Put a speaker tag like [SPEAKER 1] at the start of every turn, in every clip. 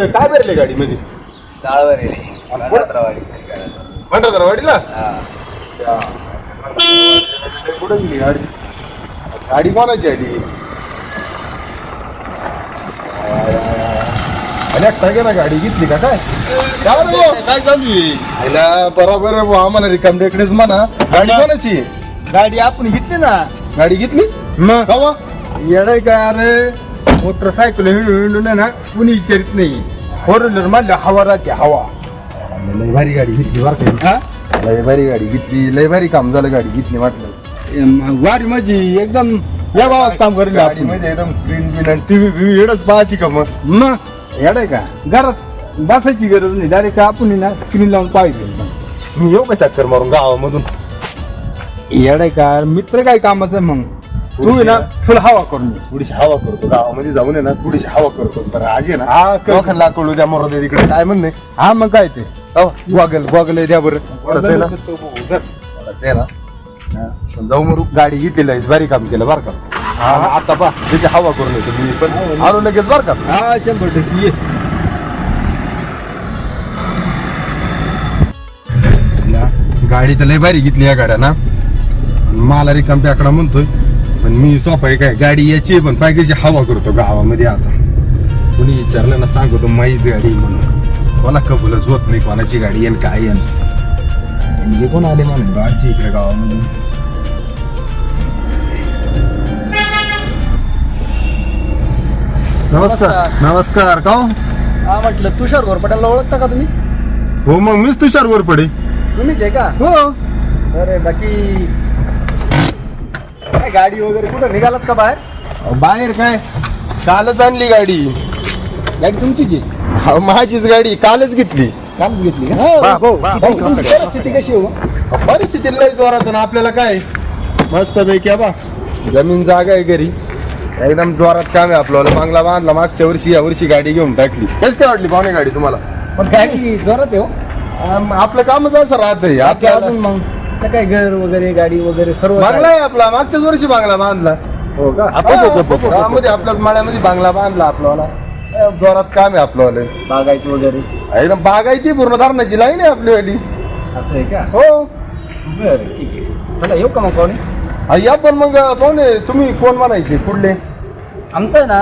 [SPEAKER 1] कुठं काय भरले गाडीमध्ये?
[SPEAKER 2] डाळवर आहे
[SPEAKER 1] भंडारवाडीला कुठं गेली गाडी? गाडी कोणाची आहे ती? अरे ना गाडी घेतली का काय? काय चालू आहे? बरोबर आहे बुवा, आम्हाला रिकाम टेकडेच म्हणा. गाडी कोणाची?
[SPEAKER 3] गाडी आपण घेतली ना.
[SPEAKER 1] गाडी घेतली मग कवा?
[SPEAKER 3] येडाय काय अरे, मोटरसायकल हिंडून ना कुणी विचारित नाही. फोर व्हीलर मधल्या हवा राहते हवा.
[SPEAKER 1] लय भारी गाडी घेतली बरं का? लय भारी गाडी घेतली, लय भारी काम झालं गाडी घेतली म्हटलं.
[SPEAKER 3] वारी माझी एकदम या भावात काम करेल
[SPEAKER 1] गाडी म्हणजे एकदम स्क्रीन बिन आणि टीव्ही एवढंच पाहायची का मग?
[SPEAKER 3] मग येडाय का, घरात बसायची गरज नाही, डायरेक्ट आपण ना स्क्रीन लावून पाहिजे.
[SPEAKER 1] मी येऊ का चक्कर मारून गावामधून?
[SPEAKER 3] येडाय का, मित्र काय कामाचं मग तू आहे ना फुल हवा करून ये.
[SPEAKER 1] थोडीशी हवा करतो गावामध्ये जाऊन आहे ना, थोडीशी हवा करतो. बरं आज आहे ना
[SPEAKER 3] हा
[SPEAKER 1] लोकांना कळू द्या मोरा दे तिकडे काय म्हणणे.
[SPEAKER 3] हा मग काय ते
[SPEAKER 1] गॉगल द्या बरं. थोडंसं आहे ना, थोडंसं आहे ना. पण जाऊ मरू, गाडी घेतलेली आहे, भारी काम केलं बरं का. आता पा त्याची हवा करून येतो मी पण आलो लगेच बरं का.
[SPEAKER 3] हा 100% ये.
[SPEAKER 1] गाडी तर लय भारी घेतली या गाड्या ना. मला रिकाम आकडा म्हणतोय पण मी सोपा आहे काय, गाडी याची पण पायकीची हवा करतो गावामध्ये. आता कोणी विचारलं ना सांगतो माईच गाडी म्हणून. कोणा कबूलच होत नाही कोणाची गाडी येईन काय येईन. म्हणजे कोण आले म्हणून गाडची इकडे गावामध्ये. नमस्कार. नमस्कार का हो?
[SPEAKER 2] हा म्हटलं तुषार घोरपटाला ओळखता का तुम्ही?
[SPEAKER 1] हो मग मीच तुषार घोरपडे.
[SPEAKER 2] तुम्हीच आहे का?
[SPEAKER 1] हो.
[SPEAKER 2] अरे बाकी काय गाडी वगैरे कुठं निघालात का बाहेर?
[SPEAKER 1] बाहेर काय, कालच आणली गाडी.
[SPEAKER 2] गाडी तुमचीच आहे?
[SPEAKER 1] हा, माझीच गाडी कालच घेतली.
[SPEAKER 2] कालच घेतली का? तुमची परिस्थिती कशी हो?
[SPEAKER 1] परिस्थिती लय जोरात ना. आपल्याला काय मस्त पैकी बा जमीन जागा आहे घरी, एकदम जोरात काम आहे आपल्याला. बांगला बांधला मागच्या वर्षी, या वर्षी गाडी घेऊन टाकली. कशी काय वाटली पाहुणे गाडी तुम्हाला?
[SPEAKER 2] पण गाडी जोरात आहे हो.
[SPEAKER 1] आपलं कामच असं राहतंय.
[SPEAKER 2] बाकी अजून मग तर काय घर वगैरे गाडी वगैरे सर्व
[SPEAKER 1] बांगला आहे आपला, मागच्याच वर्षी बांगला बांधला.
[SPEAKER 2] हो का?
[SPEAKER 1] मध्ये आपल्याच माळ्यामध्ये बांगला बांधला आपल्याला. जोरात काम आहे आपल्याला,
[SPEAKER 2] बागायत वगैरे
[SPEAKER 1] एकदम बागायती पूर्ण धरणाची लाईन आहे आपली वाली.
[SPEAKER 2] असं आहे का?
[SPEAKER 1] हो.
[SPEAKER 2] बरं ठीक आहे, चला येऊ का मग पाहुणे?
[SPEAKER 1] या पण मग पाहुणे तुम्ही कोण म्हणायचे कुठले?
[SPEAKER 2] आमचं आहे ना,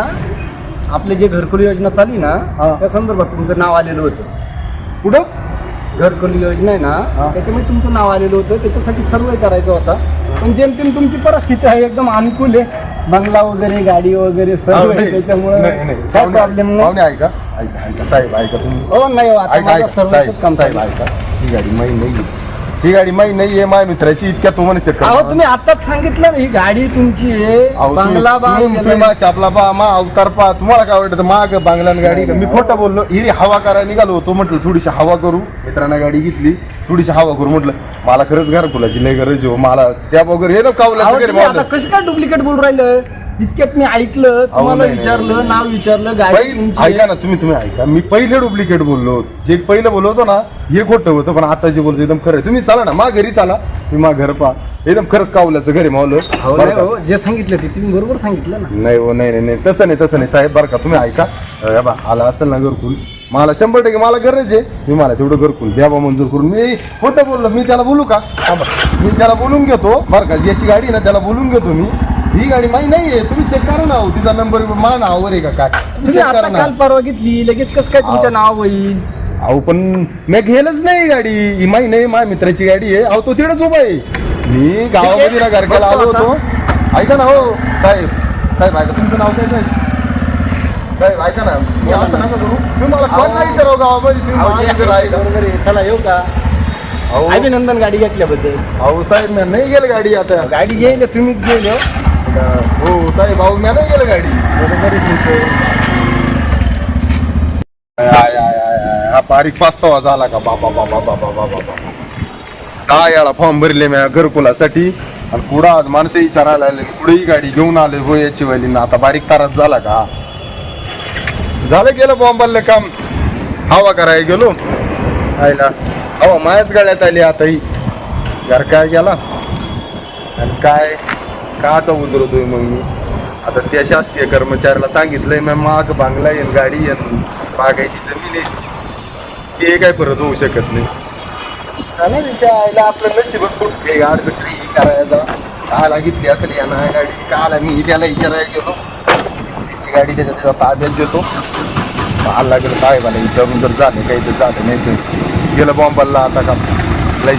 [SPEAKER 2] आपले जे घरकुल योजना चालू आहे
[SPEAKER 1] हा.
[SPEAKER 2] ना, त्या संदर्भात तुमचं नाव आलेलं होतं.
[SPEAKER 1] कुठं?
[SPEAKER 2] घरकुल योजना आहे ना, त्याच्यामुळे तुमचं नाव आलेलं होतं. त्याच्यासाठी सर्वे करायचा होता. पण जेमतेम तुमची परिस्थिती आहे एकदम अनुकूल आहे, बंगला वगैरे गाडी वगैरे सर्व आहे, त्याच्यामुळे काय प्रॉब्लेम नाही.
[SPEAKER 1] पाहुणे ऐका ऐका ऐका साहेब ऐका तुम्ही.
[SPEAKER 2] हो नाही हो, आता
[SPEAKER 1] ऐका
[SPEAKER 2] माझं
[SPEAKER 1] ऐका
[SPEAKER 2] सर्वच काम
[SPEAKER 1] साहेब
[SPEAKER 2] चालू आहे.
[SPEAKER 1] ऐका. ही गाडी माही नाही, ही गाडी माही नाही आहे. माझ्या मित्राची इतक्या तुम्हाला चक्कर.
[SPEAKER 2] अहो तुम्ही आताच सांगितलं ना ही गाडी तुमची आहे, बंगला बांधलेला आहे.
[SPEAKER 1] चापला पा मा अवतार पा. तुम्हाला काय वाटतं माग बांगला गाडी? मी खोटं बोललो. हिरी हवा करायला निघालो होतो, म्हटलं थोडीशी हवा करू. मित्रांना गाडी घेतली, थोडीशी हवा करू म्हटलं. मला खरंच घरकुलाची लय गरज हो. मला त्या वगैरे हे कावला
[SPEAKER 2] अहो,
[SPEAKER 1] वगैरे
[SPEAKER 2] तुम्ही आता कसं काय डुप्लिकेट बोलून राहिलं? इतक्यात मी ऐकलं, तुम्हाला
[SPEAKER 1] नाही,
[SPEAKER 2] विचारलं,
[SPEAKER 1] नाही.
[SPEAKER 2] नाव विचारलं, गाडी तुमची
[SPEAKER 1] ऐका
[SPEAKER 2] आहे.
[SPEAKER 1] ना तुम्ही ऐका. मी पहिले डुप्लिकेट बोललो. जे पहिलं बोललो होतो ना हे खोटं होतं, पण आता जे बोलतो एकदम खरं आहे. तुम्ही चला ना मा घरी चला, तुम्ही मा घर पहा. एकदम खरंच कावल्याचं घरी मावलं.
[SPEAKER 2] हो नाही हो, जे सांगितलं ते तुम्ही बरोबर सांगितलं ना.
[SPEAKER 1] नाही हो, नाही नाही तसं नाही साहेब बरं का. तुम्ही ऐका बा, आला असेल ना घरकुल, मला 100% मला गरज आहे. मी मला तेवढं घरकुल द्यावा मंजूर करून. मी खोटं बोललो, मी त्याला बोलू का? मी त्याला बोलून घेतो बरं का. याची गाडी ना त्याला बोलून घेतो मी. ही गाडी माही नाहीये, तुम्ही चेक करा ना. तिचा नंबर मा नावावर आहे का काय?
[SPEAKER 2] तुम्ही
[SPEAKER 1] चेक
[SPEAKER 2] आता
[SPEAKER 1] करा ना.
[SPEAKER 2] काल परवा घेतली, लगेच कसं काय तुमच्या नाव होईल?
[SPEAKER 1] अहो पण मी घेलच नाही गाडी. ही माही नाही, माझ्या मित्राची गाडी आहे. अहो तो तिकडेच उभा आहे. मी गावामध्ये ना घरक्याला आलो होतो. ऐका ना हो साहेब, साहेब ऐका. तुमचं नाव काय साहेब? साहेब ऐका ना, मी असं नका करू. तुम्ही मला कोण नाही विचारावं गावामध्ये, तुम्ही
[SPEAKER 2] अहो,
[SPEAKER 1] मला
[SPEAKER 2] जे
[SPEAKER 1] विचारा,
[SPEAKER 2] आहे
[SPEAKER 1] ऐका.
[SPEAKER 2] बरोबर आहे. चला येऊ का?
[SPEAKER 1] अहो
[SPEAKER 2] अभिनंदन गाडी घेतल्याबद्दल.
[SPEAKER 1] अहो साहेब मी नाही गेलं गाडी आता.
[SPEAKER 2] गाडी घ्यायला तुम्हीच गेले हो.
[SPEAKER 1] हो साहेब, अहो मी नाही गेलं गाडी.
[SPEAKER 2] बरोबर आहे तुमचं.
[SPEAKER 1] हा बारीक पाचतावा झाला का? बाबा बाबा बाबा बाबा बाबा. काय याला फॉर्म भरले मी घरकुलासाठी, आणि कुठं आज माणसं विचारायला आले, कुठेही गाडी घेऊन आले हो याची वाली ना. आता बारीक तारात झाला का? झालं गेलं बॉम्बाला काम. हवा करायला गेलो, आयला हवा मायाच गाड्यात आली. आता ही घर काय गेला आणि काय काचा उजरतोय मग मी. आता त्या शासकीय कर्मचाऱ्याला सांगितलंय मी, माग बांगला येईन गाडी येईन बागायती जमीन आहे ते काय परत होऊ शकत नाही. त्याला तिच्या आईला आपलं नशीबच कुठे गाडी करायचा काला घेतली असेल या ना गाडी काला मी त्याला विचारायला गेलो तिची गाडी त्याच्या ताब्यात देतो पाहायला लागेल साहेबाला विचारून जर झालं काही तर झालं नाही तर गेलं बॉम्बाला आता का